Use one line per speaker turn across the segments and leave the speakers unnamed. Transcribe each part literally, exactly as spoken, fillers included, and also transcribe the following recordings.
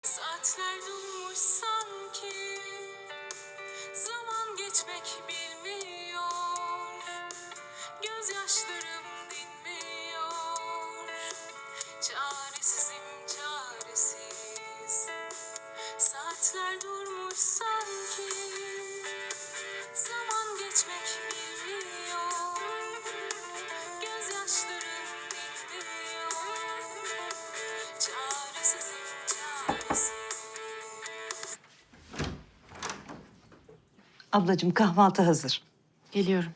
Saatler durmuş sanki, zaman geçmek bilmiyor, gözyaşlarım dinmiyor, çaresizim çaresiz. Saatler durmuş sanki, zaman geçmek bilmiyor, gözyaşlarım dinmiyor, çaresizim çaresiz.
Ablacığım kahvaltı hazır.
Geliyorum.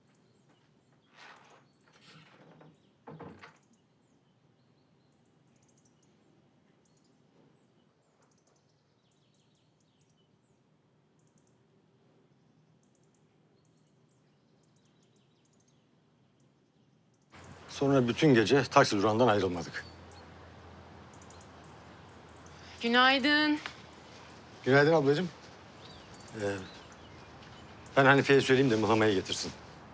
Sonra bütün gece taksi durağından ayrılmadık.
Günaydın.
Günaydın ablacığım. Ee, ben Hanife'ye söyleyeyim de mıhlamayı getirsin.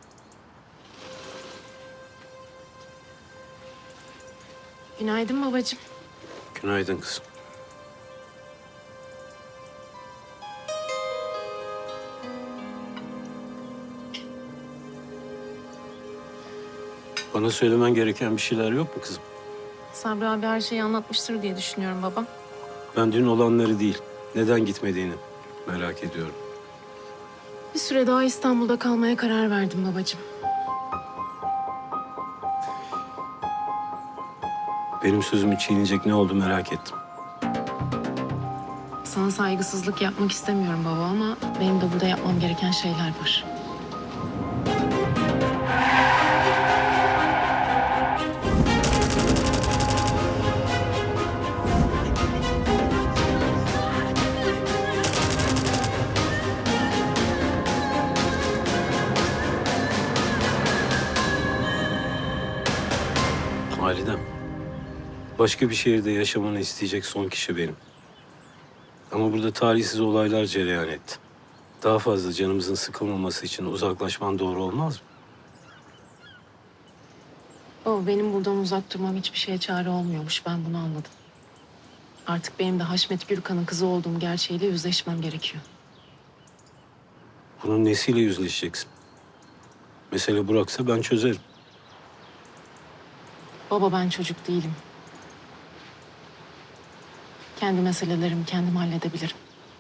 Günaydın babacığım.
Günaydın kızım. Bana söylemen gereken bir şeyler yok mu kızım?
Sabri abi her şeyi anlatmıştır diye düşünüyorum baba.
Ben dün olanları değil, neden gitmediğini merak ediyorum.
Bir süre daha İstanbul'da kalmaya karar verdim babacığım.
Benim sözümü çiğneyecek ne oldu merak ettim.
Sana saygısızlık yapmak istemiyorum baba ama benim de burada yapmam gereken şeyler var.
Halidem, başka bir şehirde yaşamanı isteyecek son kişi benim. Ama burada talihsiz olaylar cereyan etti. Daha fazla canımızın sıkılmaması için uzaklaşman doğru olmaz mı?
Baba benim buradan uzak durmam hiçbir şeye çare olmuyormuş. Ben bunu anladım. Artık benim de Haşmet Gürkan'ın kızı olduğum gerçeğiyle yüzleşmem gerekiyor.
Bunun nesiyle yüzleşeceksin? Mesele Burak'sa ben çözerim.
Baba ben çocuk değilim. Kendi meselelerimi kendim halledebilirim.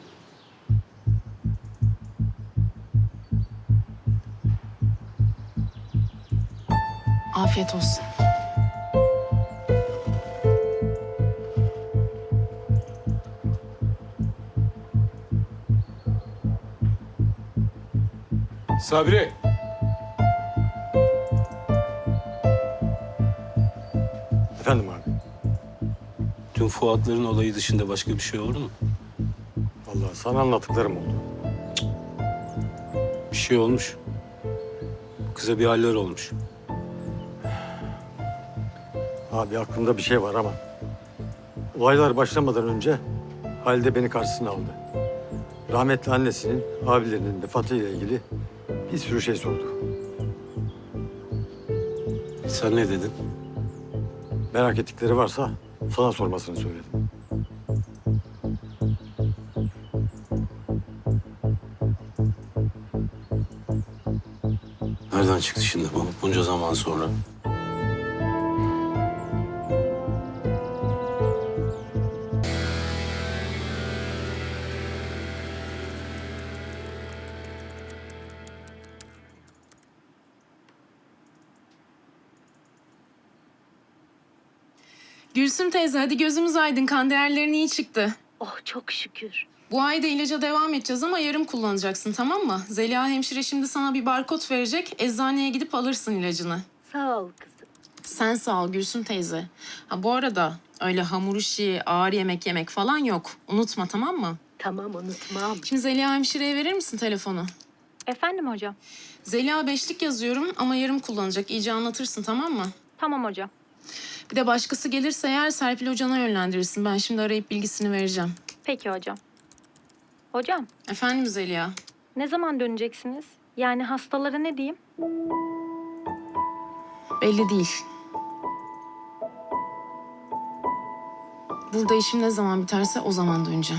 Afiyet olsun.
Sabri.
Efendim abi.
Dün Fuatların olayı dışında başka bir şey oldu mu?
Vallahi sana anlattıklarım oldu.
Bir şey olmuş. Kıza bir haller olmuş.
Abi aklımda bir şey var ama... Olaylar başlamadan önce Halide beni karşısına aldı. Rahmetli annesinin, abilerinin vefatıyla ilgili bir sürü şey sordu.
Sen ne dedin?
Merak ettikleri varsa sana sormasını söyledim.
Nereden çıktı şimdi bu bunca zaman sonra?
Gülsüm teyze hadi gözümüz aydın. Kan değerlerin iyi çıktı.
Oh çok şükür.
Bu ay da ilaca devam edeceğiz ama yarım kullanacaksın tamam mı? Zeliha hemşire şimdi sana bir barkod verecek. Eczaneye gidip alırsın ilacını.
Sağ ol kızım.
Sen sağ ol Gülsüm teyze. Ha bu arada öyle hamur işi, ağır yemek yemek falan yok. Unutma tamam mı?
Tamam unutmam.
Şimdi Zeliha hemşireye verir misin telefonu?
Efendim hocam.
Zeliha beşlik yazıyorum ama yarım kullanacak. İyice anlatırsın tamam mı?
Tamam hocam.
Bir de başkası gelirse eğer Serpil hocana yönlendirirsin. Ben şimdi arayıp bilgisini vereceğim.
Peki hocam. Hocam,
Efendim Zeliha?
ne zaman döneceksiniz? Yani hastalara ne diyeyim?
Belli değil. Burada işim ne zaman biterse o zaman döneceğim.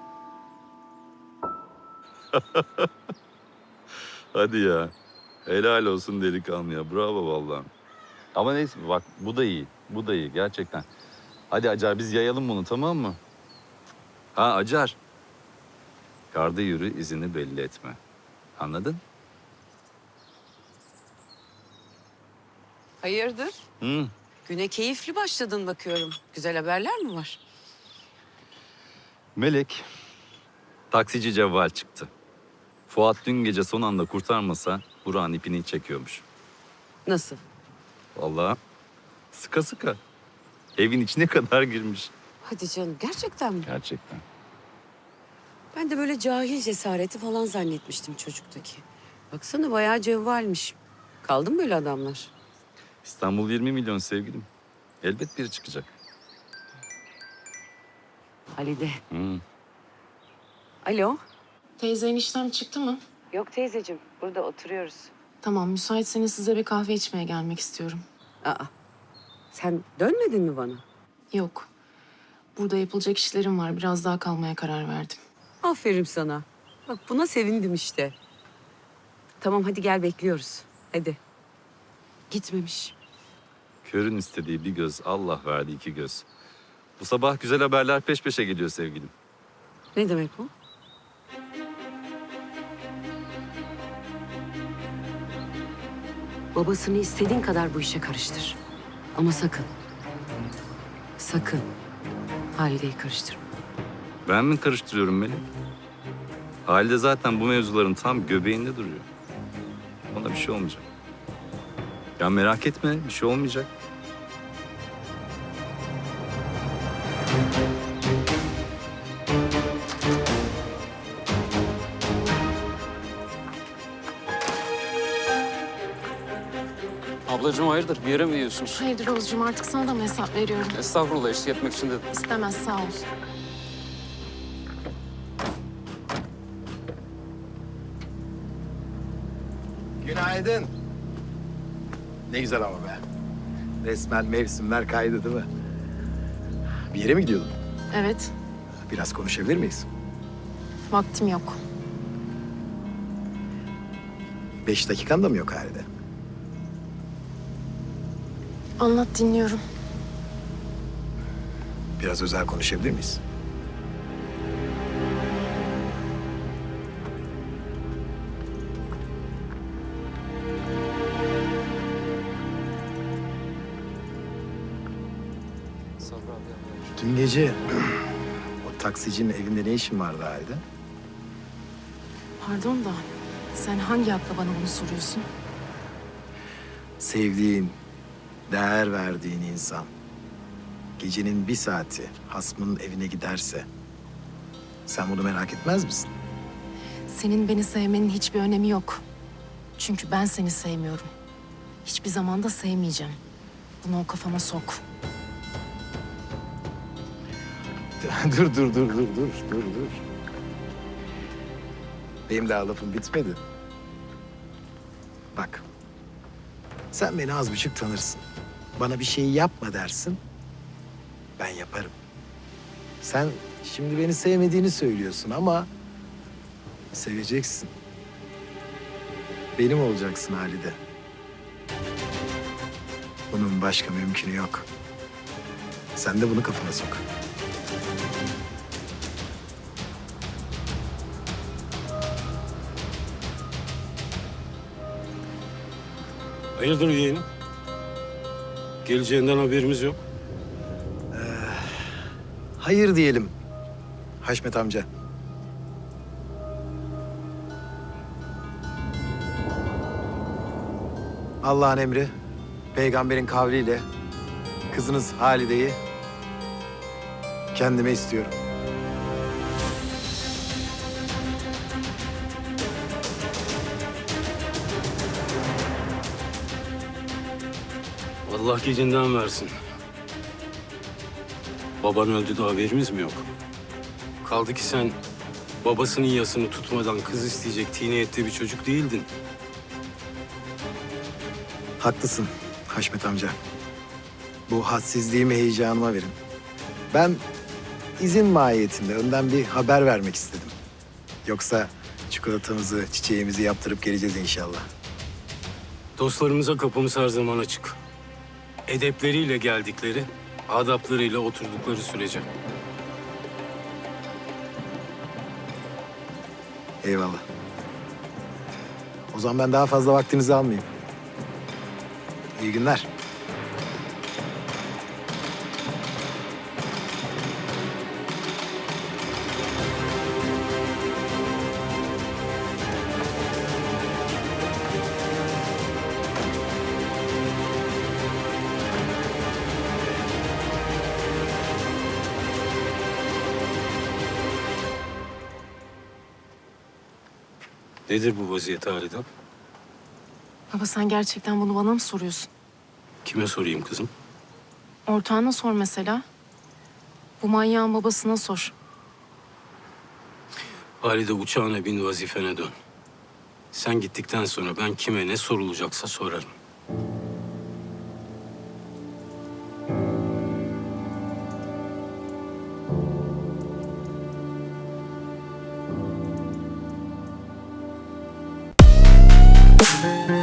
Hadi ya. Helal olsun delikanlı ya. Bravo vallahi. Ama neyse bak bu da iyi. Bu da iyi gerçekten. Hadi Acar biz yayalım bunu tamam mı? Ha Acar. Karda yürü izini belli etme. Anladın?
Hayırdır?
Hı.
Güne keyifli başladın bakıyorum. Güzel haberler mi var?
Melek. Taksici Cevval çıktı. Fuat dün gece son anda kurtarmasa Burak'ın ipini çekiyormuş.
Nasıl?
Vallahi sıka sıka. Evin içine kadar girmiş.
Hadi canım gerçekten mi?
Gerçekten.
Ben de böyle cahil cesareti falan zannetmiştim çocuktaki. Baksana bayağı cevvalmiş. Kaldı mı böyle adamlar?
İstanbul yirmi milyon sevgilim. Elbet biri çıkacak.
Halide.
Hı.
Alo.
Teyze eniştem çıktı mı?
Yok teyzeciğim burada oturuyoruz.
Tamam, müsaitseniz size bir kahve içmeye gelmek istiyorum.
Aa. Sen dönmedin mi bana?
Yok. Burada yapılacak işlerim var. Biraz daha kalmaya karar verdim.
Aferin sana. Bak buna sevindim işte. Tamam hadi gel bekliyoruz. Hadi. Gitmemiş.
Körün istediği bir göz, Allah verdi iki göz. Bu sabah güzel haberler peş peşe geliyor sevgilim.
Ne demek bu? Babasını istediğin kadar bu işe karıştır. Ama sakın. Sakın. Halide'yi karıştırma.
Ben mi karıştırıyorum Melek? Halide zaten bu mevzuların tam göbeğinde duruyor. Ona bir şey olmayacak. Ya merak etme, bir şey olmayacak.
Ablacığım hayırdır? Bir yere mi gidiyorsunuz?
Hayırdır Oğuzcuğum, artık sana da mı hesap veriyorum?
Estağfurullah eşlik etmek için dedim.
İstemez, sağ ol.
Günaydın. Ne güzel ama be. Resmen mevsimler kaydı değil mi? Bir yere mi gidiyordun?
Evet,
Biraz konuşabilir miyiz?
vaktim yok.
Beş dakikan da mı yok halde?
Anlat, dinliyorum.
Biraz özel konuşabilir miyiz?
Sabri abi.
Dün gece o taksicinin evinde ne işin vardı halde?
Pardon da sen hangi hakla bana bunu soruyorsun?
Sevdiğin, değer verdiğin insan gecenin bir saati hasmının evine giderse sen bunu merak etmez misin?
Senin beni sevmenin hiçbir önemi yok. Çünkü ben seni sevmiyorum. Hiçbir zaman da sevmeyeceğim. Bunu o kafama sok.
dur dur dur dur dur dur dur. Benim daha lafım bitmedi. Bak. Sen beni az buçuk tanırsın. Bana bir şey yapma dersin. Ben yaparım. Sen şimdi beni sevmediğini söylüyorsun ama seveceksin. Benim olacaksın Halide. Bunun başka mümkünü yok. Sen de bunu kafana sok.
Hayırdır yeğenim? Geleceğinden haberimiz yok.
Hayır diyelim Haşmet amca. Allah'ın emri, peygamberin kavliyle kızınız Halide'yi kendime istiyorum.
Allah gecinden versin. Baban öldü de haberimiz mi yok? Kaldı ki sen babasının yasını tutmadan kız isteyecek tiniyette bir çocuk değildin.
Haklısın Haşmet amca. Bu hadsizliğimi heyecanıma verin. Ben izin mahiyetinde önden bir haber vermek istedim. Yoksa çikolatamızı, çiçeğimizi yaptırıp geleceğiz inşallah.
Dostlarımıza kapımız her zaman açık. Edepleriyle geldikleri, adaplarıyla oturdukları sürece.
Eyvallah. O zaman ben daha fazla vaktinizi almayayım. İyi günler.
Nedir bu vaziyet Halide?
Baba sen gerçekten bunu bana mı soruyorsun?
Kime sorayım kızım?
Ortağına sor mesela. Bu manyağın babasına sor.
Halide uçağına bin, vazifene dön. Sen gittikten sonra ben kime ne sorulacaksa sorarım.
Müzik